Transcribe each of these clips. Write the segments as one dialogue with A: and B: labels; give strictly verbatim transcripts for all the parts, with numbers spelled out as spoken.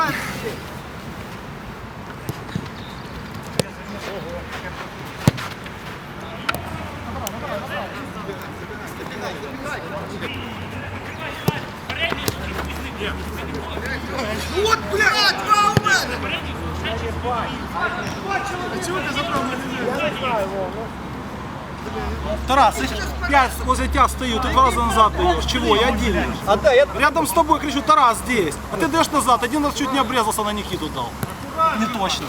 A: Вот, блядь, два у мене! А чего ты забрал на меня? Я не знаю, Вов.
B: Тарас, я возле тебя стою, ты два раза назад даешь. Чего? Я один.
A: А да, я...
B: Рядом с тобой кричу: Тарас здесь. А ты даешь назад. Один раз чуть не обрезался, на Никиту дал. Не точно.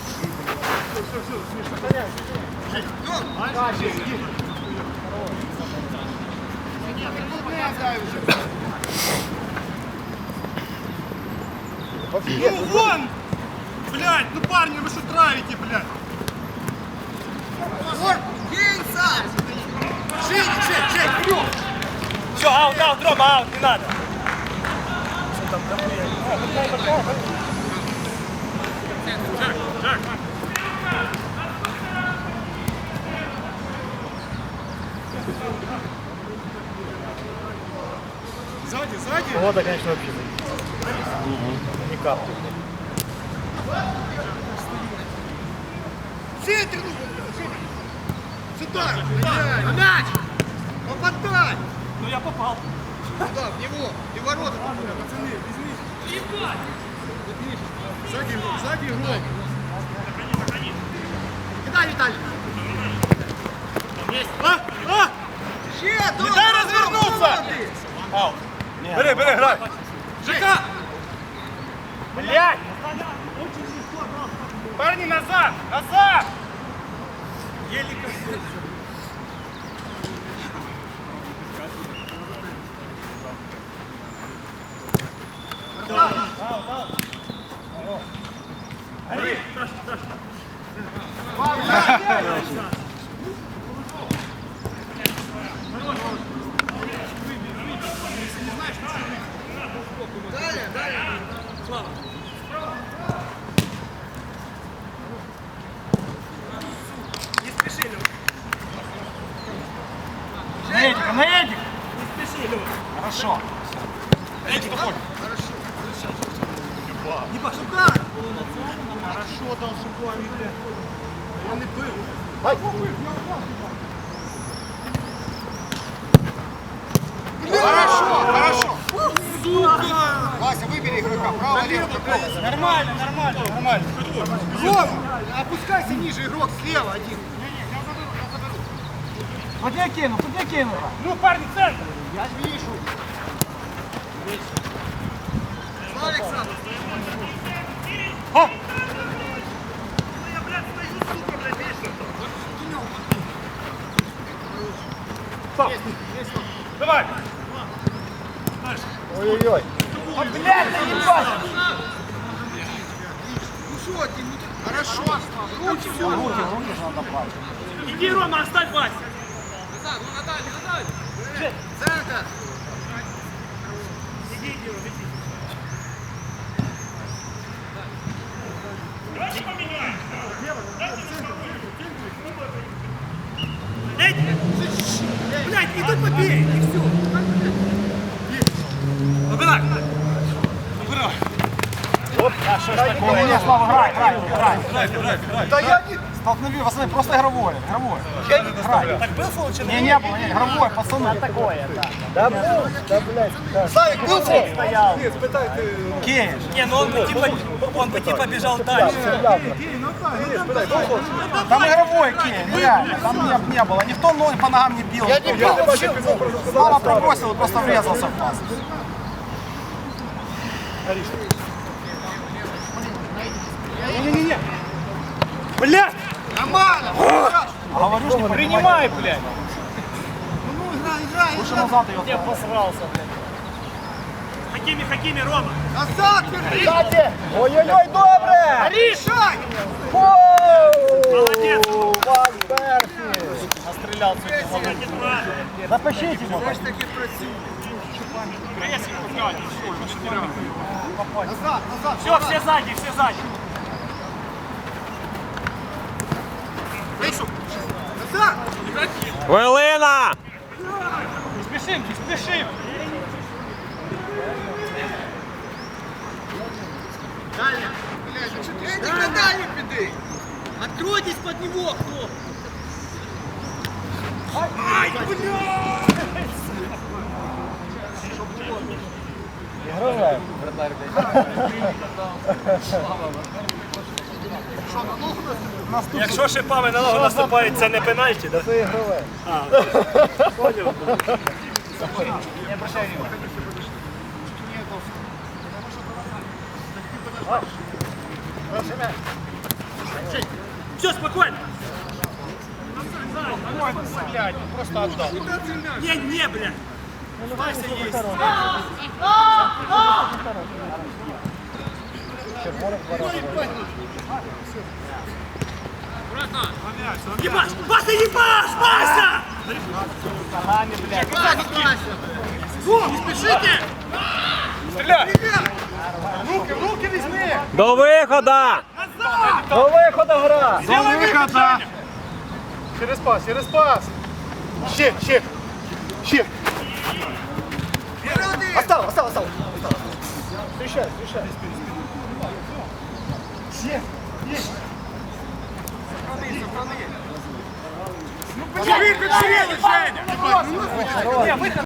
A: Ну вон! Блядь, ну парни, вы что травите, блядь? Кинься! Жень, Жень, Жень, вперед!
C: Все, аут, аут, Рома, аут, не надо.
A: Сзади, сзади!
C: Погода, конечно, вообще не капает.
A: Центр, ну, сюда! На мяч! Попадай!
B: Ну я попал.
A: Куда? В него! И в ворота! Пацаны, возьмите! Сзади, сзади игрок! Кидай, Виталий!
C: А, а!
A: Че,
C: Не дай развернуться! Аут. Бери, бери, играй.
A: ЖК!
C: Блядь! Парни, назад! Назад! Еле
A: Далее, далее! Слава!
C: не спеши, Лёва.
B: На Эдика, на Эдик.
C: Не спеши, Лёва.
B: Хорошо.
C: Эдик, уходи.
A: Хорошо!
C: Не пошел.
A: Сюда!
C: Хорошо дал шипами, блядь.
A: Он и был! Хорошо, хорошо! Сука! Вася, выбери игрока, право, лево, какого?
C: Нормально, нормально, нормально.
A: Рома, опускайся ниже, игрок слева один.
B: Вот я кину, вот я кину.
C: Ну, парни, центр.
A: Я вижу. Слава, Александр.
C: А! Стоп. Давай.
A: Ой-ой-ой.
C: А, блядь, заебал.
A: Ну что, ты, ну ты- хорошо. Руки, все.
B: Руки, руки же надо плавать.
C: Иди, Рома, оставь Вася.
A: Назад, ну Наталья, Наталья. Центр.
C: Иди, иди, Рома, иди. Давайте поменяем. Эдик! Блядь, иду побей, и все. Убирай. Убирай. Оп, а что ж такое?
B: Не, Слава, играй, играй, играй.
C: Играй, играй, играй.
A: Да я не...
B: Столкнови, пацаны, просто игровое, игровое.
A: Я не...
B: Играй.
C: Так был фол, чи
B: Не, не было, не, игровое, пацаны.
A: Да был, да, блядь. Славик, был фол?
C: стоял?
A: Нет, спытай ты.
B: Кейш.
C: Не, ну он бы типа, он бы типа бежал дальше.
B: Там игровой кейш, реально, там не, не было. Никто ноги по ногам не бил.
A: Я не бил, вообще.
B: Слава пробросил, просто врезался в пас.
C: Не-не-не. Блядь!
A: Нормально.
B: А говорю, что не
C: Принимай, блядь!
A: Ну, играй, играй,
B: Лучше
A: играй.
B: назад ее.
C: Я посрался, блядь. Хакими, Хакими, Рома!
A: Назад, верни.
C: Кстати!
A: Ой-ой-ой, добре.
C: Решай!
A: Молодец.
C: Ван Перси! Настрелял сегодня.
B: Запишите его.
A: Я ж таки просил. Назад, назад.
C: Все, все сзади, все сзади.
A: Вийшов. Назад.
D: Хвилина!
C: Не спешим, не спешим. Откройтесь под него, кто! Ай, блядь!
E: Играем, вратарь,
C: Якщо шипами на ногу наступають, це не пенальті, да?
E: Це ігрове.
C: А, понял.
E: Не обращай внимания.
C: Все, спокойно.
A: Блядь, просто отдал.
C: Не, не, блядь. Вася есть.
E: Червоних два рази.
C: Ебаш! Вася, ебаш! Вася! Во, не спешите!
A: Стреляй! Руки, руки возьми!
D: До виходу!
E: До виходу гра!
A: До выхода! Через пас, через пас! Ще, ще! Ще!
E: Остав, остав, остав! Встречай, встречай!
A: Ще! Есть!
C: Почему, Женя?